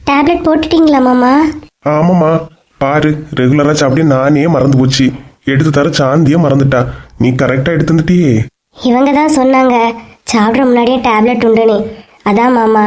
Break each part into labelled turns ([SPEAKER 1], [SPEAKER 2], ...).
[SPEAKER 1] Tablet போட்டுட்டீங்களா மாமா?
[SPEAKER 2] ஆமாம்மா, பாரு ரெகுலரா சாப்பிட்டே நானே மறந்து போச்சு. எடுத்து தர சாந்தியே மறந்துட்டா. நீ கரெக்டா எடுத்து வந்துட்டியே.
[SPEAKER 1] இவங்க தான் சொன்னாங்க சாப்பிட்ற முன்னாடியே டேப்லெட் உண்டுன்னு. அதான் மாமா.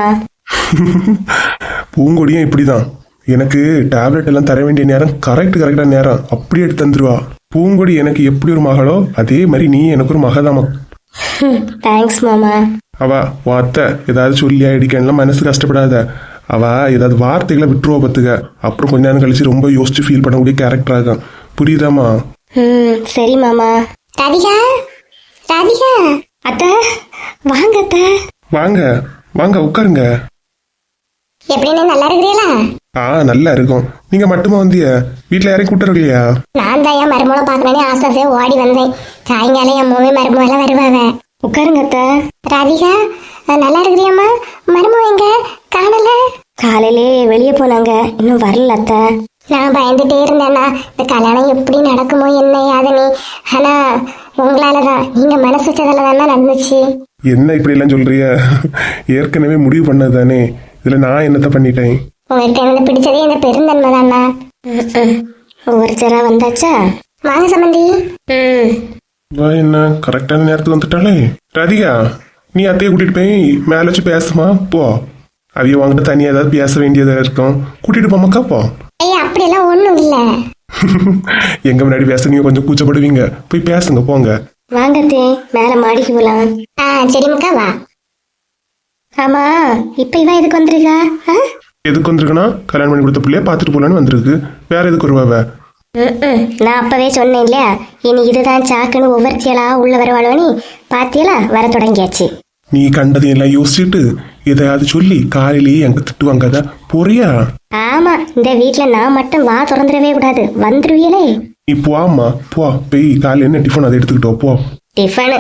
[SPEAKER 2] பூங்கொடியும் இப்படிதான். எனக்கு டேப்லெட் எல்லாம் தர வேண்டிய நேரம் கரெக்டா நேரம் அப்படியே எடுத்து தந்துருவா. பூங்கொடி எனக்கு எப்படி ஒரு மகளோ அதே மாதிரி நீ எனக்கு ஒரு மகதாமா.
[SPEAKER 1] தேங்க்ஸ் மாமா.
[SPEAKER 2] அவ உன் அத்தை ஏதாவது சொல்லியா இடிக்கலாம் மனசு கஷ்டப்படாத. அவ ஏதாவது வார்த்தைகளை விட்டுருவா பத்துக்க. அப்புறம் கொஞ்ச நேரம் கழிச்சு ரொம்ப யோசிச்சு ஃபீல் பண்ணக்கூடிய கேரக்டர் ஆகும். புரியுதாமா?
[SPEAKER 1] சரி மாமா. ராதிகா, ராதிகா. அத்தை வாங்க. அத்தை
[SPEAKER 2] வாங்க வாங்க உட்காருங்க.
[SPEAKER 1] எப்படின்னு நல்லா இருக்கிறீங்களா?
[SPEAKER 2] நல்லா இருக்கும். நீங்க மட்டுமா வந்திய? வீட்டுல யாரையும் கூட்டுறது இல்லையா?
[SPEAKER 1] நான் தான் என் மருமகளை பார்க்கணும்னு ஆசை ஓடி வந்தேன். சாயங்காலம் என் மூவி மருமகெல்லாம் வருவாங்க. உட்காருங்க அத்தை. ராதிகா நல்லா இருக்கிறியம்மா? மருமக எங்க காணல? காலையிலே வெளியே போனாங்க, இன்னும் வரல அத்தை. நான் பயந்துட்டே இருந்தேன்னா இந்த கல்யாணம் எப்படி நடக்குமோ என்ன யாதனி. ஆனா உங்களாலதான், நீங்க மனசு வச்சதால தானே நடந்துச்சு.
[SPEAKER 2] என்ன இப்படி எல்லாம் சொல்றிய? ஏற்கனவே முடிவு பண்ணது தானே, இதுல நான் என்னத்த பண்ணிட்டேன்?
[SPEAKER 1] உங்கள்கிட்ட எனக்கு பிடிச்சதே இந்த பெருந்தன்மை தானா. ஒவ்வொருத்தரா வந்தாச்சா? வாங்க சம்பந்தி.
[SPEAKER 2] என்ன கரெக்டான நேரத்துக்கு வந்துட்டாலே. ராதிகா, நீ அத்தையை கூட்டிட்டு போய் மேல வச்சு பேசுமா போ. அவைய வாங்கிட்டு தனியா ஏதாவது பேச வேண்டியதா இருக்கும், கூட்டிட்டு போமாக்கா போ.
[SPEAKER 1] ஐயா அப்படியெல்லாம் ஒண்ணும் இல்ல.
[SPEAKER 2] எங்க முன்னாடி பேச நீங்க கொஞ்சம் கூச்சப்படுவீங்க, போய் பேசுங்க போங்க.
[SPEAKER 1] வாங்கத்தே மேல மாடிக்கு போலாம். சரி மக்கா வா. ஆமா இப்ப இவன் எதுக்கு வந்திருக்கா?
[SPEAKER 2] எதுக்கு வந்திருக்குன்னா கல்யாணம் பண்ணி கொடுத்த பிள்ளைய பாத்துட்டு போலான்னு வந்திருக்கு. வேற எதுக்கு வருவாவ?
[SPEAKER 1] நான் அப்பவே சொன்னேன் இல்லையா, இனி இதுதான் சாக்குன்னு ஒவ்வொருத்தியலா உள்ள வருவாளோனி. பாத்தியலா வர தொடங்கியாச்சு.
[SPEAKER 2] நீ கண்டதையெல்லாம் யோசிச்சுட்டு எதையாவது சொல்லி காலையிலேயே எங்க திட்டுவாங்க போறியா?
[SPEAKER 1] ஆமா, இந்த வீட்டுல நான் மட்டும் வா திறந்துடவே கூடாது, வந்துருவியலே.
[SPEAKER 2] நீ போம்மா போ, போய் காலையில என்ன டிஃபன் அதை எடுத்துக்கிட்டோ போ.
[SPEAKER 1] டிஃபனு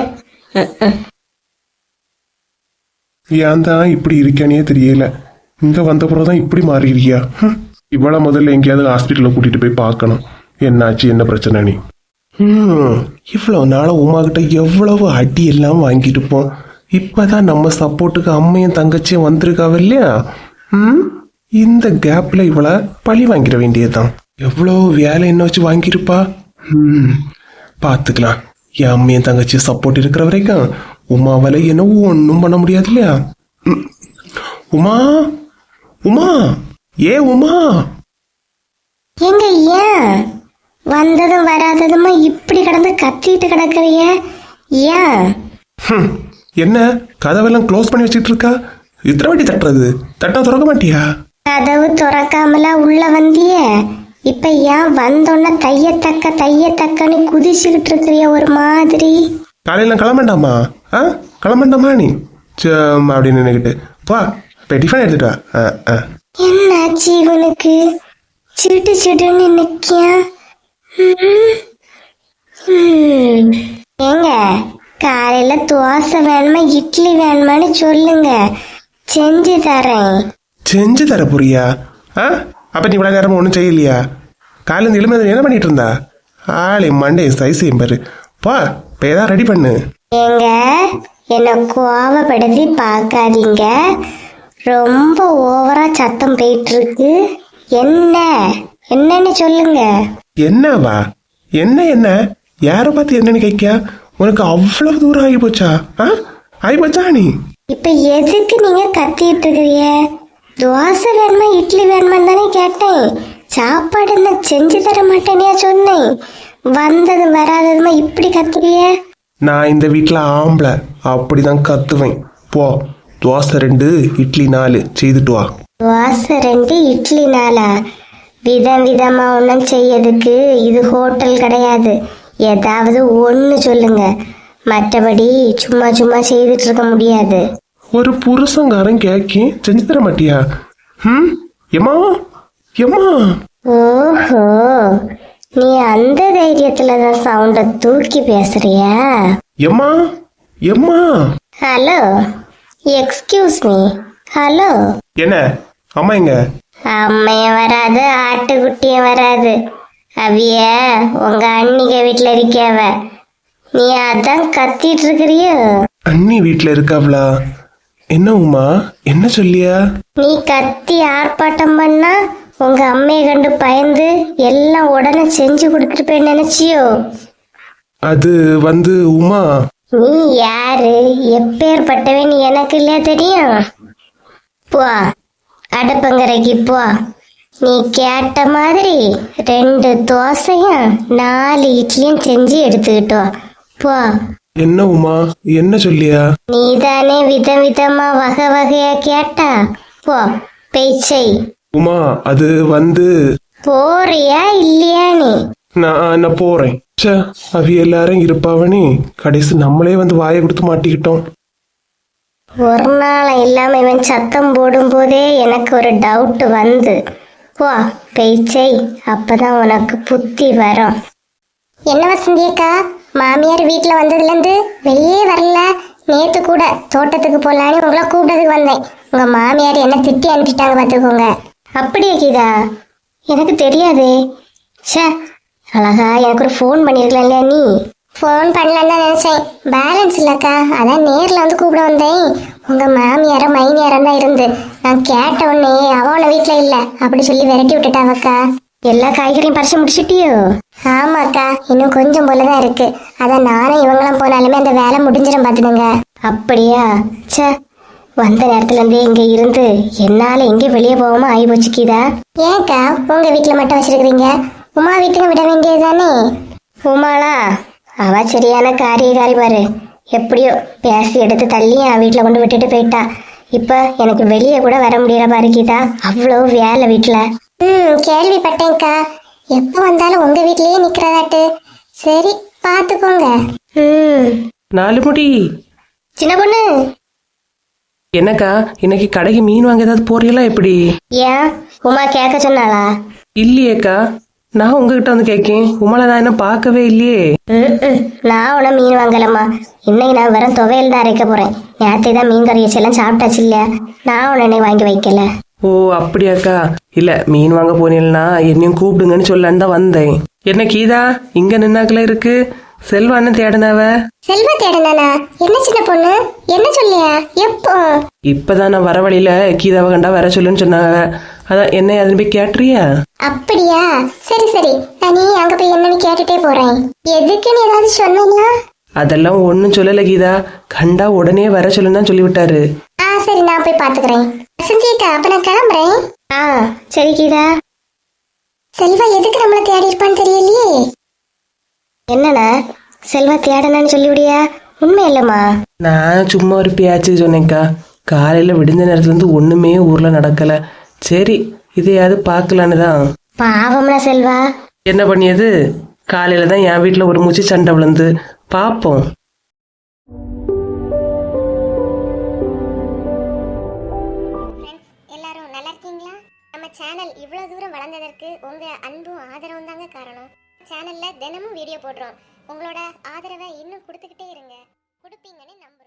[SPEAKER 2] ஏன் தான் இப்படி இருக்கானே தெரியல. இங்க வந்த பிறகுதான் இப்படி மாறிடுறியா? இவ்வளோ முதல்ல எங்கேயாவது ஹாஸ்பிட்டல்ல கூட்டிட்டு போய் பார்க்கணும், என்னாச்சு என்ன பிரச்சனை நீ. இவ்வளவு நாள உமா கிட்ட எவ்வளவு அடி எல்லாம் வாங்கிட்டு இருப்போம். இப்பதான் நம்ம சப்போர்ட்டுக்கு அம்மையும் தங்கச்சியும் வந்திருக்காவ இல்லையா? இந்த கேப்ல இவளை பழி வாங்கிட வேண்டியதுதான். எவ்வளவு வேலை என்ன வச்சு வாங்கியிருப்பா. பாத்துக்கலாம். என் அம்மையும் தங்கச்சியும் சப்போர்ட் இருக்கிற வரைக்கும் உமாவால என்ன ஒன்னும் பண்ண முடியாது இல்லையா? உமா உமா ஏ உமா
[SPEAKER 1] எங்க ஏன் வந்ததும் வராததுமா இப்படி கிடந்து கத்திட்டு கிடக்குறிய? ஏன்
[SPEAKER 2] என்ன கதவெல்லாம் க்ளோஸ் பண்ணி வச்சிட்டு இருக்கா? இத்தனை வாட்டி தட்டுறது, தட்டா திறக்க மாட்டியா?
[SPEAKER 1] கதவு திறக்காமலா உள்ள வந்திய? இப்ப ஏன் வந்தோன்ன தையத்தக்கன்னு குதிச்சுக்கிட்டு இருக்கிறிய ஒரு மாதிரி?
[SPEAKER 2] காலையில கிளம்பண்டாமா? கிளம்பண்டாமா நீ அப்படின்னு நினைக்கிட்டு பா, டிஃபன் எடுத்துட்டு வா.
[SPEAKER 1] என்னாச்சு இவனுக்கு? சிட்டு சிட்டுன்னு நிக்கியா? ஏங்க காலையில தோசை வேணுமா இட்லி வேணுமான்னு சொல்லுங்க, செஞ்சு தரேன்.
[SPEAKER 2] செஞ்சு தர போறியா? அப்ப நீ இவ்வளவு நேரமா ஒன்றும் செய்யலையா? காலையில எழுமதி என்ன பண்ணிட்டு இருந்தா? ஆளே மண்டே சைஸையும் பாரு. பா இப்போ ஏதாவது ரெடி பண்ணு.
[SPEAKER 1] ஏங்க என்ன கோவப்படுத்தி பார்க்காதீங்க, ரொம்ப ஓவரா சத்தம் போயிட்டு இருக்கு. என்னன்னு சொல்லுங்க.
[SPEAKER 2] என்னவா? என்ன யார பார்த்து என்னன்னு கேட்கியா? உனக்கு அவ்வளவு தூரம் ஆகி போச்சா? ஆகி போச்சா? நீ
[SPEAKER 1] இப்ப எதுக்கு நீங்க கத்திட்டு இருக்கிறீங்க? தோசை வேணுமா இட்லி வேணுமான்னு தானே கேட்டேன். சாப்பாடு என்ன செஞ்சு தர மாட்டேனியா சொன்னேன். வந்தது வராததுமா இப்படி கத்துறிய?
[SPEAKER 2] நான் இந்த வீட்டுல ஆம்பளை, அப்படிதான் கத்துவேன். போ, தோசை 2 இட்லி 4 செய்துட்டு வா.
[SPEAKER 1] தோசை 2 இட்லி 4? விதம் விதமா ஒன்றும் செய்யறதுக்கு இது ஹோட்டல் கிடையாது. ஏதாவது ஒன்று சொல்லுங்க, மற்றபடி சும்மா சும்மா செய்துட்டு இருக்க முடியாது.
[SPEAKER 2] ஒரு புருஷங்காரன் கேக்கி செஞ்சு தர மாட்டியா? எம்மா எம்மா.
[SPEAKER 1] ஓஹோ, நீ அந்த தைரியத்துலதான் சவுண்ட தூக்கி பேசுறியா?
[SPEAKER 2] எம்மா எம்மா.
[SPEAKER 1] Hello, excuse me. ஹலோ.
[SPEAKER 2] என்ன அம்மா எங்க?
[SPEAKER 1] அம்மைய வராது, ஆட்டுக்குட்டிய வராது. அவிய உங்க அண்ணிக வீட்டுல இருக்கியாவ. நீ அதான் கத்திட்டு இருக்கிறியோ?
[SPEAKER 2] அண்ணி வீட்டுல இருக்காவளா? என்ன உமா, என்ன சொல்லியா?
[SPEAKER 1] நீ கத்தி ஆர்ப்பாட்டம் பண்ணா உங்க அம்மையை கண்டு பயந்து எல்லாம் உடனே செஞ்சு கொடுத்துருப்பேன்னு நினைச்சியோ?
[SPEAKER 2] அது உமா,
[SPEAKER 1] நீ யாரு, எப்பேற்பட்டவன் எனக்கு இல்லையா தெரியும்? போ, அடுப்பங்கரைக்கு போ. நீ கேட்ட மாதிரி 2 தோசையும் 4 இட்லியும் செஞ்சு எடுத்துக்கிட்டோ. போ.
[SPEAKER 2] என்ன உமா, என்ன சொல்லியா?
[SPEAKER 1] நீதானே விதவிதமா வகை வகையா கேட்டா. போ, பேச்சை.
[SPEAKER 2] உமா, அது
[SPEAKER 1] போறியா இல்லையா நீ?
[SPEAKER 2] நான் போறேன். ச்சே, அவி எல்லாரும் இருப்பாவனே, கடைசி நம்மளே வாயை கொடுத்து மாட்டிக்கிட்டோம்.
[SPEAKER 1] ஒரு நாள் இல்லாம இவன் சத்தம் போடும் போதே எனக்கு ஒரு டவுட் போ பேச்சை, அப்பதான் உனக்கு புத்தி வரும். என்ன வசந்தி அக்கா, மாமியார் வீட்டுல வந்ததுலேருந்து வெளியே வரல. நேத்து கூட தோட்டத்துக்கு போலான்னு உங்களை கூப்பிட்டதுக்கு வந்தேன். உங்க மாமியார் என்ன திட்டி அனுப்பிட்டாங்க பார்த்துக்கோங்க. அப்படியே கீதா? எனக்கு தெரியாது. ச்சே, அழகா எனக்கு ஒரு ஃபோன் பண்ணிருக்கலாம் இல்லையா நீ? ஃபோன் பண்ணலன்னு தான் நினைச்சேன், பேலன்ஸ் இல்லக்கா, அதான் நேரில் கூப்பிட வந்தேன். உங்க மாமியாரும் மைனியாரம் தான் இருந்து நான் கேட்ட உடனே அவளை வீட்டில் இல்லை அப்படி சொல்லி விரட்டி விட்டுட்டாவக்கா. எல்லா காய்கறியும் பறிச்சு முடிச்சிட்டியோ? ஆமாக்கா, இன்னும் கொஞ்சம் போலதான் இருக்கு. அதான் நானும் இவங்களாம் போனாலுமே அந்த வேலை முடிஞ்சிடும் பார்த்துடுங்க. அப்படியா? ச்சே, வந்த நேரத்துல இருந்தே இங்க இருந்து என்னால எங்க வெளியே போகாம ஆகி போச்சுக்கிதா. ஏன்க்கா உங்க வீட்டுல மட்டும் வச்சிருக்கீங்க, உமா வீட்டுக்கு விட வேண்டியதுதானே? உமாளா, அவ சரியான காரியக்காரி பாரு. எப்படியோ பேசி எடுத்து தள்ளி என் வீட்டுல கொண்டு விட்டுட்டு போயிட்டா. இப்ப எனக்கு வெளியே கூட வர முடியல பாரு கீதா, அவ்வளோ வேலை வீட்டுல. கேள்விப்பட்டேன்க்கா, எப்ப வந்தாலும் உங்க வீட்லயே நிக்கிறதாட்டு. சரி, பாத்துக்கோங்க.
[SPEAKER 3] 4 முடி.
[SPEAKER 1] சின்ன பொண்ணு,
[SPEAKER 3] என்னக்கா, இன்னைக்கு கடைக்கு மீன் வாங்க ஏதாவது போறீங்களா எப்படி?
[SPEAKER 1] ஏன் உமா கேட்க சொன்னாளா?
[SPEAKER 3] இல்லையேக்கா, நான் உங்ககிட்ட கேட்கேன். உமால நான் என்ன பார்க்கவே இல்லையே.
[SPEAKER 1] நான் உன மீன் வாங்கலம்மா. இன்னைக்கு நான் வெறும் துவையல் தான் அரைக்க போறேன். நேற்று தான் மீன் கறி வச்செல்லாம் சாப்பிட்டாச்சு இல்லையா, நான் உடனே வாங்கி வைக்கல.
[SPEAKER 3] ஓ அப்படியாக்கா, இல்ல மீன் வாங்க போனீங்கன்னா என்னையும் கூப்பிடுங்கன்னு சொல்லலான்னு தான் வந்தேன். என்ன கீதா இங்க நின்னாக்கல இருக்கு? செல்வா என்ன தேடினவ?
[SPEAKER 1] செல்வா தேடினானா? என்ன சின்ன பொண்ணு, என்ன சொல்லியா? எப்போ?
[SPEAKER 3] இப்பதான் நான் வர வழியில கீதாவை கண்டா வர சொல்லுன்னு சொன்னாங்க. அதான் என்ன அதுன்னு போய் கேட்டுறியா?
[SPEAKER 1] அப்படியா, சரி சரி, நீ அங்க போய் என்னன்னு கேட்டுட்டே போறேன். எதுக்குன்னு ஏதாவது சொன்னா?
[SPEAKER 3] அதெல்லாம் ஒன்னும் சொல்லல கீதா, கண்டா உடனே வர சொல்லுன்னு தான் சொல்லிவிட்டாரு.
[SPEAKER 1] சரி, நான் போய் பாத்துக்கிறேன். சஞ்சய்க்கா, அப்ப நான் கிளம்புறேன். சரி கீதா. செல்வா எதுக்கு நம்மள தேடி இருப்பான்னு தெரியலையே. என்னண்ணா, செல்வா தேடனான்னு சொல்லிவிடியா? உண்மை இல்லம்மா,
[SPEAKER 3] நான் சும்மா ஒரு பேச்சுக்கு சொன்னேன்க்கா. காலையில விடிஞ்ச நேரத்துல இருந்து ஒண்ணுமே ஊர்ல நடக்கல. சரி, இதையாவது பாக்கலான்னு தான்.
[SPEAKER 1] பாவம்னா செல்வா.
[SPEAKER 3] என்ன பண்ணியது, காலையில தான் என் வீட்டுல ஒரு மூச்சு சண்டை விழுந்து. பாப்போம்.
[SPEAKER 1] எல்லாரும் நல்லா இருக்கீங்களா? நம்ம சேனல் இவ்வளவு தூரம் வளர்ந்ததற்கு உங்க அன்பும் ஆதரவும் தாங்க காரணம். சேனல்ல தினமும் வீடியோ போடுறோம். உங்களோட ஆதரவை இன்னும் கொடுத்துக்கிட்டே இருங்க. கொடுப்பீங்கன்னு நம்ப